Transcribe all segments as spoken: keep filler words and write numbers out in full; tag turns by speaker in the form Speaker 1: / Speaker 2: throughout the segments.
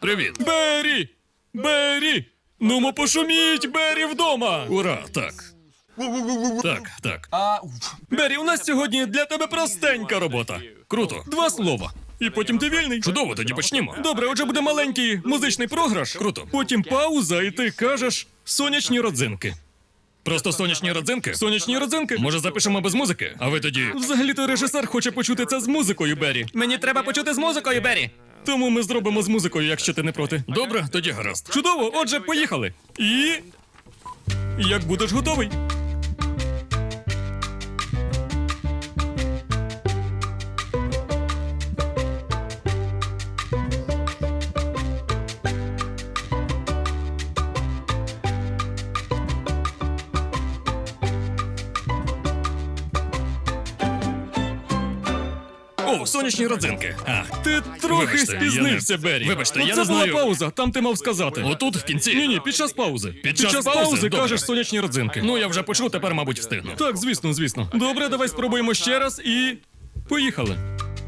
Speaker 1: Привіт.
Speaker 2: Бері! Бері! Нумо пошуміть, Бері вдома!
Speaker 1: Ура, так. Так, так.
Speaker 2: Бері, у нас сьогодні для тебе простенька робота.
Speaker 1: Круто.
Speaker 2: Два слова. І потім ти вільний.
Speaker 1: Чудово, тоді почнімо.
Speaker 2: Добре, отже буде маленький музичний програш.
Speaker 1: Круто.
Speaker 2: Потім пауза, і ти кажеш сонячні родзинки.
Speaker 1: Просто сонячні родзинки?
Speaker 2: Сонячні родзинки?
Speaker 1: Може, запишемо без музики? А ви тоді.
Speaker 2: Взагалі-то режисер хоче почути це з музикою, Бері.
Speaker 3: Мені треба почути з музикою, Бері.
Speaker 2: Тому ми зробимо з музикою, якщо ти не проти.
Speaker 1: Добре, тоді гаразд.
Speaker 2: Чудово, отже, поїхали. І. Як будеш готовий?
Speaker 1: О, сонячні родзинки. А,
Speaker 2: Ти трохи
Speaker 1: Вибачте,
Speaker 2: спізнився,
Speaker 1: я не-
Speaker 2: Бері.
Speaker 1: Вибачте,
Speaker 2: Ну,
Speaker 1: я
Speaker 2: це
Speaker 1: не
Speaker 2: була
Speaker 1: знаю.
Speaker 2: пауза, там ти мав сказати.
Speaker 1: Отут в кінці.
Speaker 2: Ні, ні, під час паузи.
Speaker 1: Під час паузи?
Speaker 2: паузи
Speaker 1: Добре.
Speaker 2: кажеш сонячні родзинки.
Speaker 1: Ну, я вже почув, тепер, мабуть, встигну.
Speaker 2: Так, звісно, звісно. Добре, давай спробуємо ще раз і. Поїхали.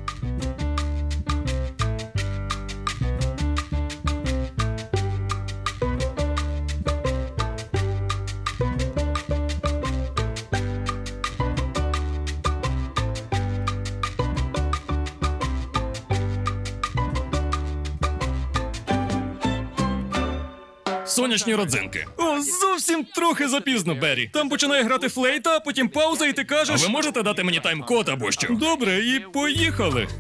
Speaker 1: Сонячні родзинки.
Speaker 2: О, зовсім трохи запізно, Бері. Там починає грати флейта, а потім пауза, і ти
Speaker 1: А
Speaker 2: кажеш.
Speaker 1: ви можете дати мені тайм-код або що?
Speaker 2: Добре, і поїхали.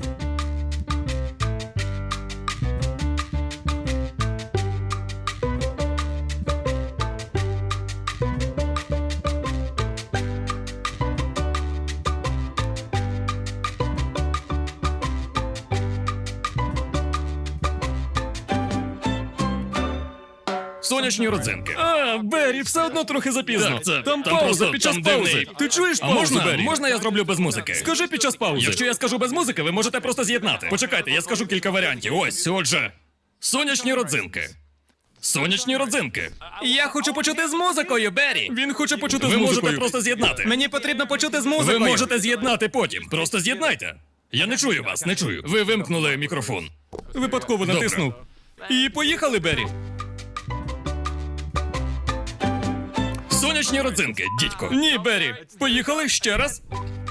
Speaker 1: Сонячні родзинки.
Speaker 2: А, Бері, все одно трохи запізно.
Speaker 1: Так, це-
Speaker 2: там
Speaker 1: там
Speaker 2: пауза
Speaker 1: просто-
Speaker 2: під час
Speaker 1: там
Speaker 2: паузи.
Speaker 1: дивний-
Speaker 2: Ти чуєш
Speaker 1: А
Speaker 2: паузу,
Speaker 1: можна,
Speaker 2: Бері?
Speaker 1: можна я зроблю без музики?
Speaker 2: Скажи під час паузи.
Speaker 1: Якщо я скажу без музики, ви можете просто з'єднати. Почекайте, я скажу кілька варіантів. Ось, отже. Сонячні родзинки. Сонячні родзинки.
Speaker 3: Я хочу почути з музикою, Бері.
Speaker 2: Він хоче почути
Speaker 1: Ви
Speaker 2: з
Speaker 1: можете
Speaker 2: музикою.
Speaker 1: просто з'єднати.
Speaker 3: Мені потрібно почути з
Speaker 1: Ви
Speaker 3: музикою.
Speaker 1: можете з'єднати потім. Просто з'єднайте. Я не чую вас, не чую. Ви вимкнули мікрофон.
Speaker 2: Випадково
Speaker 1: Добре.
Speaker 2: натиснув. І поїхали, Бері.
Speaker 1: Сонячні родзинки, дідько.
Speaker 2: Ні, Бері. Поїхали ще раз.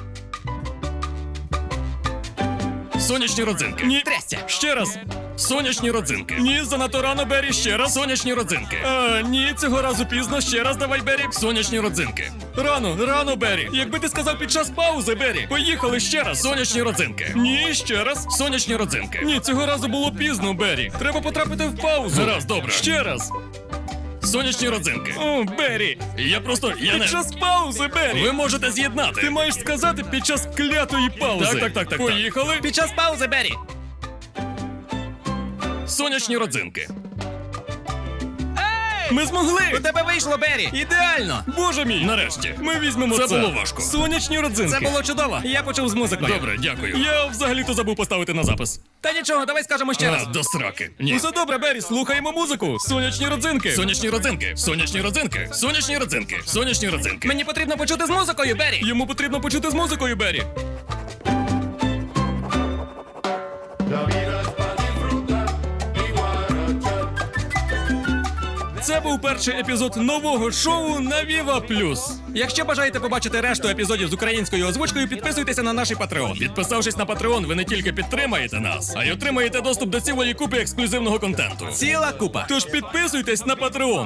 Speaker 1: Сонячні родзинки.
Speaker 2: Ні.
Speaker 3: Трясся.
Speaker 2: Ще раз.
Speaker 1: Сонячні родзинки.
Speaker 2: Ні, занадто рано, Бері, ще раз.
Speaker 1: Сонячні родзинки.
Speaker 2: А, ні, цього разу пізно. Ще раз давай, Бері.
Speaker 1: Сонячні родзинки.
Speaker 2: Рано, рано, Бері. Якби ти сказав під час паузи, Бері. Поїхали ще раз.
Speaker 1: Сонячні родзинки.
Speaker 2: Ні, ще раз.
Speaker 1: Сонячні родзинки.
Speaker 2: Ні, цього разу було пізно, Бері. Треба потрапити в паузу.
Speaker 1: Гаразд, добре.
Speaker 2: Ще раз.
Speaker 1: Сонячні родзинки.
Speaker 2: О, Бері.
Speaker 1: Я просто. Я
Speaker 2: Під
Speaker 1: не.
Speaker 2: час паузи, Бері.
Speaker 1: Ви можете з'єднати.
Speaker 2: Ти маєш сказати під час клятої паузи.
Speaker 1: Так, так, так, так,
Speaker 2: Поїхали.
Speaker 3: Під час паузи, Бері.
Speaker 1: Сонячні родзинки.
Speaker 2: Ми змогли.
Speaker 3: У тебе вийшло, Бері. Ідеально.
Speaker 2: Боже мій.
Speaker 1: Нарешті.
Speaker 2: Ми візьмемо це.
Speaker 1: Це було важко.
Speaker 2: Сонячні родзинки.
Speaker 3: Це було чудово. Я почув з музикою.
Speaker 1: Добре, дякую.
Speaker 2: Я взагалі-то забув поставити на запис.
Speaker 3: Та нічого, давай скажемо ще
Speaker 1: А,
Speaker 3: раз.
Speaker 1: до сраки. Ні.
Speaker 2: Усе добре, Бері, слухаємо музику. Сонячні родзинки.
Speaker 1: Сонячні родзинки. Сонячні родзинки. Сонячні родзинки. Сонячні родзинки.
Speaker 3: Мені потрібно почути з музикою, Бері.
Speaker 2: Йому потрібно почути з музикою, Бері.
Speaker 4: La vida es para disfrutar y guarachar.
Speaker 2: Це був перший епізод нового шоу на Viva Plus.
Speaker 3: Якщо бажаєте побачити решту епізодів з українською озвучкою, підписуйтеся на наш Patreon.
Speaker 1: Підписавшись на Patreon, ви не тільки підтримаєте нас, а й отримаєте доступ до цілої купи ексклюзивного контенту.
Speaker 3: Ціла купа.
Speaker 2: Тож підписуйтесь на Patreon.